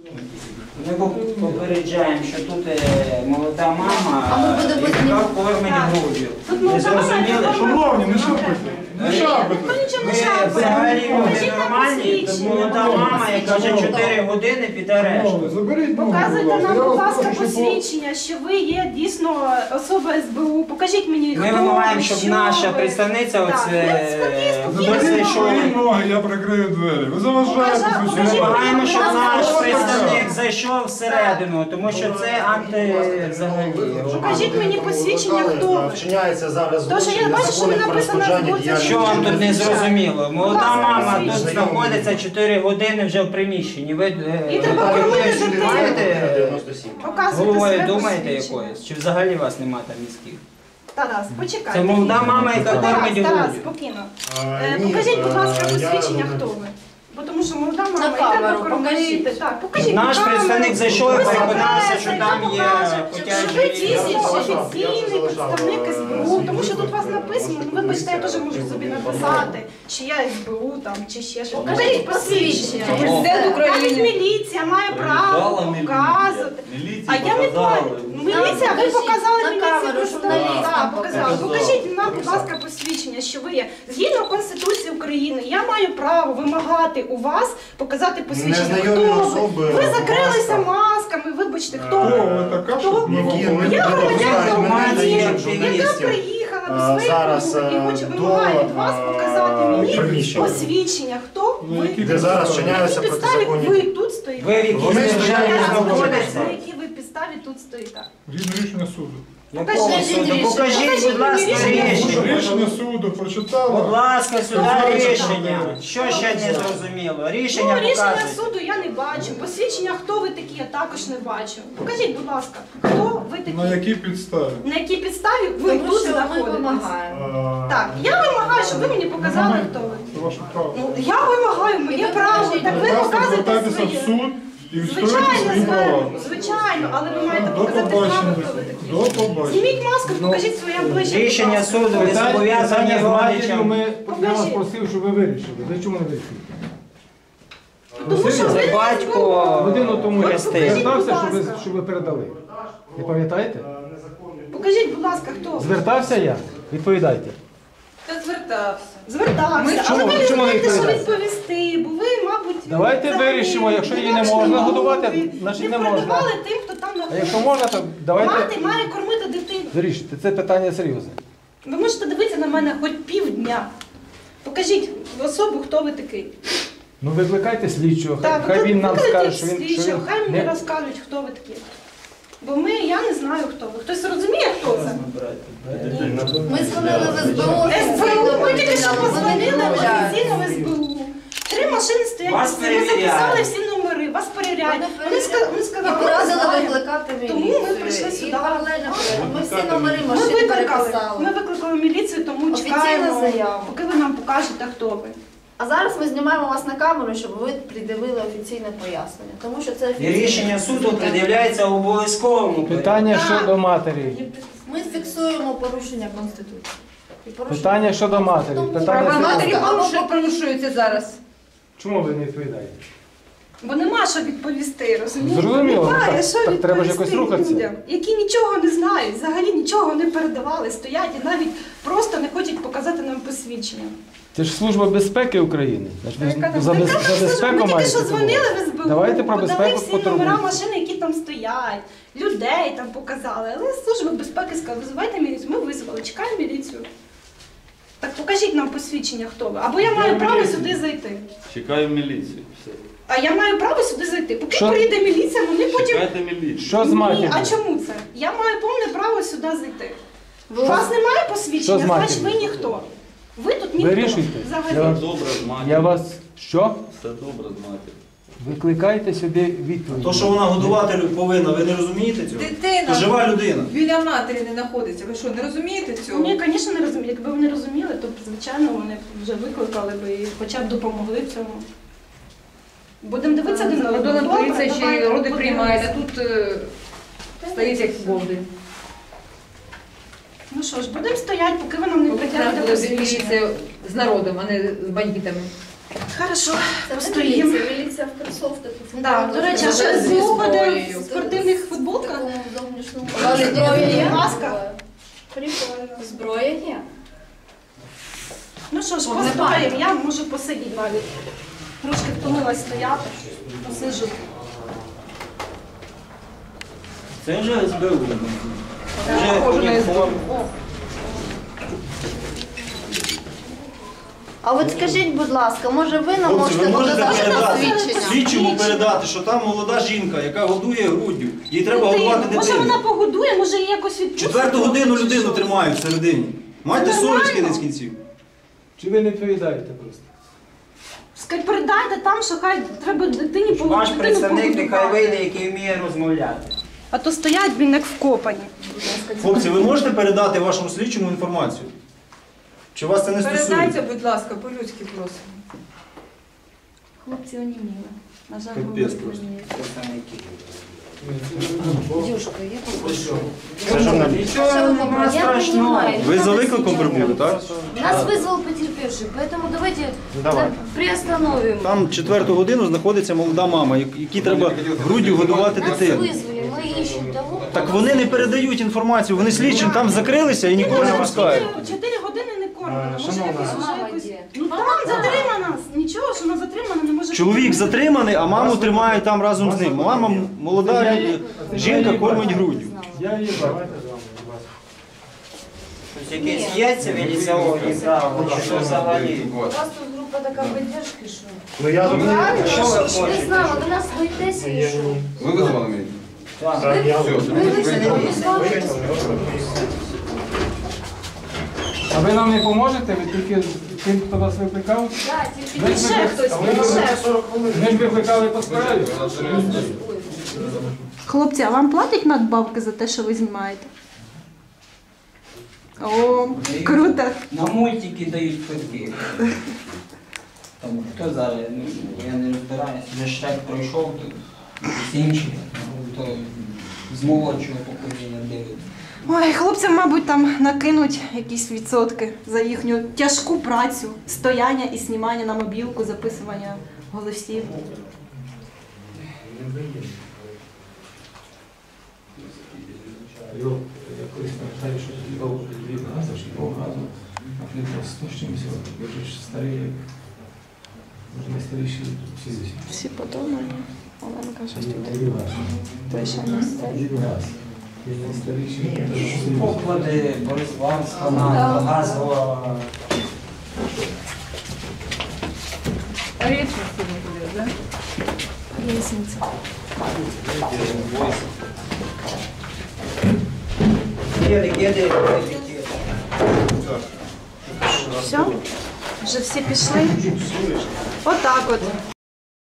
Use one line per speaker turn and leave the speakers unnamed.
Ми попереджаємо, що тут молода мама, яка кормить груддю. Ви зрозуміли?
Шановні, не шапайте. Не шапайте.
Ви взагалі люди нормальні, тут молода мама, яка вже 4 години під арештом.
Заберіть ногу,
Показуйте нам, будь ласка,
щоб
посвідчення, що ви є дійсно особа СБУ. Покажіть мені, хто
Ми
ви,
вимагаємо, щоб
що
наша
ви.
представниця
Так,
Заберіть свої ноги, я прикрию двері. Ви заважаєте
Ми
усім.
вимагаємо, щоб наш представник зайшов всередину, тому що це взагалі.
Покажіть мені посвідчення, хто ви.
Вчиняється зараз
Тож я бачу, що ви написано збудзя.
Що вам тут не зрозуміло? Молода мама тут
посвідчення.
знаходиться 4 години вже в приміщенні. Ви
І треба кормити
щось
дитину.
маєте
97.
Показуйте
головою
своє
думаєте
посвідчення.
якоюсь? Чи взагалі вас немає там мізків?
Тарас, почекайте.
Це молода мама, яка кормить
Тарас,
груддю.
спокійно.
Ні,
Покажіть, будь ласка,
я
посвідчення,
не-
хто ви. Бо тому що молода мама,
На
і треба
камеру
кормити.
покажіть.
Так, покажіть
Наш
на камеру.
представник зайшов і
Ви
переконався, що
себе
там є
покажете,
хотячі
що ви дійсно
Я
офіційний
залишав,
представник СБУ, тому що тут у вас написано, ну вибачте, я теж можу собі написати, чи я СБУ там, чи ще щось. Покажіть посвідчення.
Президент
Навіть
України.
міліція має право показувати. А я не плачу. Міліція, ви показали
На
міліцію
камеру,
просто.
журналістам
Так, показали. Покажіть нам, будь ласка, посвідчення, що ви є. Згідно Конституції України, я маю право вимагати у вас показати посвідчення.
Незнайомі
Хто ви?
особи,
Ви
будь
закрилися
ласка.
масками, вибачте, хто
Хто
ви?
ви така, щоб ми вам
Які ми
говорили?
Я громадянка України, яка
журналістів.
приїхала до своєї
Зараз,
подруги і хоче
до,
вимагає від вас показати мені
приміщення.
посвідчення, хто
Ну,
ви.
які
Де зараз
підстави?
вчиняються
На якій підставі
протизаконні.
ви тут стоїте?
Ви в якійсь
Вони
державі
стоять,
знаходитеся?
На якій ви підставі тут стоїте?
Згідно рішення суду.
Якого
Покажіть
суду?
рішення.
Покажіть, будь ласка, рішення.
Рішення суду прочитала.
Будь ласка, сюди рішення. Що ще не зрозуміло? Рішення
Ну, рішення
показуйте.
суду я не бачу. Посвідчення, хто ви такі, я також не бачу. Покажіть, будь ласка, хто ви такі?
На якій підставі?
На якій підставі ви
Тому
тут
що ми
знаходитесь?
вимагаємо.
Так, я вимагаю, щоб ви мені показали, хто ви.
Це ваше право.
Ну, я вимагаю, моє право. Так ви
Будь ласка,
показуєте
звертайтеся в
своє.
суд і відстоюйте
Звичайно,
свої права.
звернемо, звичайно, але ви маєте
До
показати право,
побачення.
хто ви такі.
До побачення.
Зніміть маску, покажіть своє обличчя.
Рішення
будь ласка.
суду, ви зобов'язані
Питання з матір'ю
родичам.
я вас просив, щоб ви вирішили. Ви чому не вирішили?
Тому що ви
Це
не
батько
Годину тому я
Хрестив.
звертався,
Покажіть, будь ласка.
щоб ви передали. Не пам'ятаєте?
Покажіть, будь ласка, хто ви.
Звертався я? Відповідайте.
Та звертався.
Звертався.
Чому-
Але ви
чому
не
ви
знаєте, що
відповідаєте?
відповісти, бо ви, мабуть,
Давайте
взагалі
вирішимо, якщо її не
вивчені
можна
мови,
годувати, значить не можна.
передавали тим, хто там
А
знаходиться.
якщо можна, то давайте
Мати має кормити дитину.
вирішити. Це питання серйозне.
Ви можете дивитися на мене хоч півдня. Покажіть особу, хто ви такий.
Ну викликайте слідчого,
Так,
хай він нам
викликайте
скаже, що він
слідчого, хай мені
не...
розкажуть, хто ви такі. Бо я не знаю, хто ви. Хтось розуміє, хто це?
Ми дзвонили в СБУ.
СБУ, ми тільки що
Вони
позвонили
відмовляються.
офіційно в СБУ. 3 машини стоять,
Вас
ми
перевіряють.
записали всі номери, вас перевіряють. Вони
І
сказали, ми
порадили
знаємо.
викликати
Тому ми
міліцію.
прийшли сюди.
І паралельно ми всі номери
Ми
машин
викликали,
переписали.
ми викликали міліцію, тому
Офіційна
чекаємо,
заява.
поки ви нам покажете, хто ви.
А зараз ми знімаємо вас на камеру, щоб ви придивили офіційне пояснення. Тому що це
І
офіційне.
рішення суду пред'являється в обов'язковому порядку.
Питання
Так.
щодо матері.
Ми фіксуємо порушення Конституції. І порушення-
Питання щодо матері.
Тому
Питання
права
серйозне.
матері
порушуються зараз.
Чому ви не відповідаєте?
Бо нема що відповісти, розумієте?
Зрозуміло,
Немає
так-
що
так треба ж
відповісти
якось рухатися.
людям, які нічого не знають, взагалі нічого не передавали, стоять і навіть просто не хочуть показати нам посвідчення.
Це ж Служба безпеки України. Значить, ви
Яка там
за
така
безпеку
служба? Ми тільки
маєте
що дзвонили
турбуватися.
в СБУ,
Давайте про
подали
безпеку
всі номера
потурбуйтесь.
машини, які там стоять, людей там показали. Але Служба безпеки сказала, визивайте міліцію. Ми визвали, чекаємо міліцію. Так покажіть нам посвідчення, хто ви. Або я маю право сюди зайти.
Чекаю міліцію. Все.
А я маю право сюди зайти. Поки
Що?
прийде міліція, вони потім...
Чекайте міліцію.
Що з
Ні,
матір'ю?
а чому це? Я маю повне право сюди зайти. У
Ви-
вас немає
Що
посвідчення,
з
значить ви
матір'ю?
ніхто. Ви тут ніхто.
Вирішуйте.
Взагалі.
Я вам-
Все добре з матір'ю.
Я вас... Що?
Все добре з матір'ю.
Викликайте сюди відповідь.
То, що вона годувати повинна, ви не розумієте цього?
Дитина
То жива людина.
біля матері не знаходиться. Ви що, не розумієте цього?
Ні, звісно, не розумію. Якби вони розуміли, то, звичайно, вони б вже викликали б і хоча б допомогли в цьому. Будемо дивитися один на одного.
Кордонна
Добре,
поліція ще й
давайте,
роди
подивимося.
приймає, а тут стоїть як голди.
Ну що ж, будемо стояти, поки ви нам не
Поки
притягнете
треба буде
посвідчення.
міліція з народом, а не з бандитами.
Хорошо,
Це не
постоїмо.
міліція в кросовках.
Да, до речі, а
Вже
що
зі
СБУ ходить
зброєю.
в спортивних
В
футболках?
такому зовнішньому.
Зброя є?
Маска.
Прикольно.
Зброя є.
Ну що ж,
Вогнепальна.
постоїмо, я можу посидіти навіть. Трошки втомилась стояти, посиджу.
Це вже СБУ.
Похоже на
уніформа.
А от скажіть, будь ласка, може ви нам
Хлопці, ви
можете
можете
показати
передати
посвідчення?
слідчому передати, що там молода жінка, яка годує груддю. Їй треба годувати
Може вона
дитину.
погодує, може її якось відпустить?
4 годину людину тримають всередині. Майте
Це
совість
нормально?
кінець кінців.
Чи ви не відповідаєте просто?
Скажіть, передайте там, що хай треба дитині
Ваш
дитину
представник нехай
погодувати.
вийде, який вміє розмовляти.
А то стоять, він як вкопані.
Хлопці, ви можете передати вашому слідчому інформацію? Чи вас це не
Передайте,
стосується?
будь ласка, по-людськи просимо.
Хлопці оніміли. На жаль,
Капець
говорити
просто.
мені.
Представники.
Дюшка, я попрошу.
Це журналіст.
Нічого
Що ви
немає
я
страшного.
понимаю.
Ви за викликом прибули, так?
Нас вызвал потерпевший, поэтому давайте приостановим.
Там 4 годину знаходиться молода мама, якій треба груддю годувати
Нас
дитину.
вызвали, мы ищем того.
Так вони не передають інформацію, вони слідчим там закрилися і нікого не пускають.
4 години не кормлена. Може
Шановна.
якось вже
Мама
якось...
де?
Ну там затримана. Нічого, що вона затримана, не може...
Чоловік затриманий, а маму тримають там разом з ним. Мама молода жінка кормить груддю.
Я її бачу.
Щось якесь є цивілізовані правила, чи що взагалі?
У вас тут группа такая поддержки, что?
Ну я тут
Правильно?
Що ви
Ви
хочете?
знали, ви нас боїтеся і що?
ви визвали мене?
Так.
Ви вийшли, ви славитесь.
А ви нам не поможете? Ви тільки тим, хто вас викликав?
Да, тільки
Ми ж
Ще хтось, ще.
Ми ж викликали по справі.
Хлопці, а вам платять надбавки за те, що ви знімаєте? О, круто.
На мультики дають квитки. Там хто зараз, ну, я не розбираюся, вже Шрек пройшов, то всі інші, то з молодшого покоління дивиться.
Ой, хлопцям, мабуть, там накинуть якісь відсотки за їхню тяжку працю, стояння і знімання на мобілку, записування голосів.
Я колись пам'ятаю, що тоді довго підвів газу, що довго газу, а ти просто 100 з чимось років. Ви ж старий, як може найстаріші 60.
Всі подумали. Оленка щось тут.
Тоді газ.
Той ще не
Тоді газ. Він найстаріший.
Поклади, Борисванська, газова.
А річно сьогодні буде, так?
Лісниця.
Киди.
Все? Вже всі пішли? Отак от.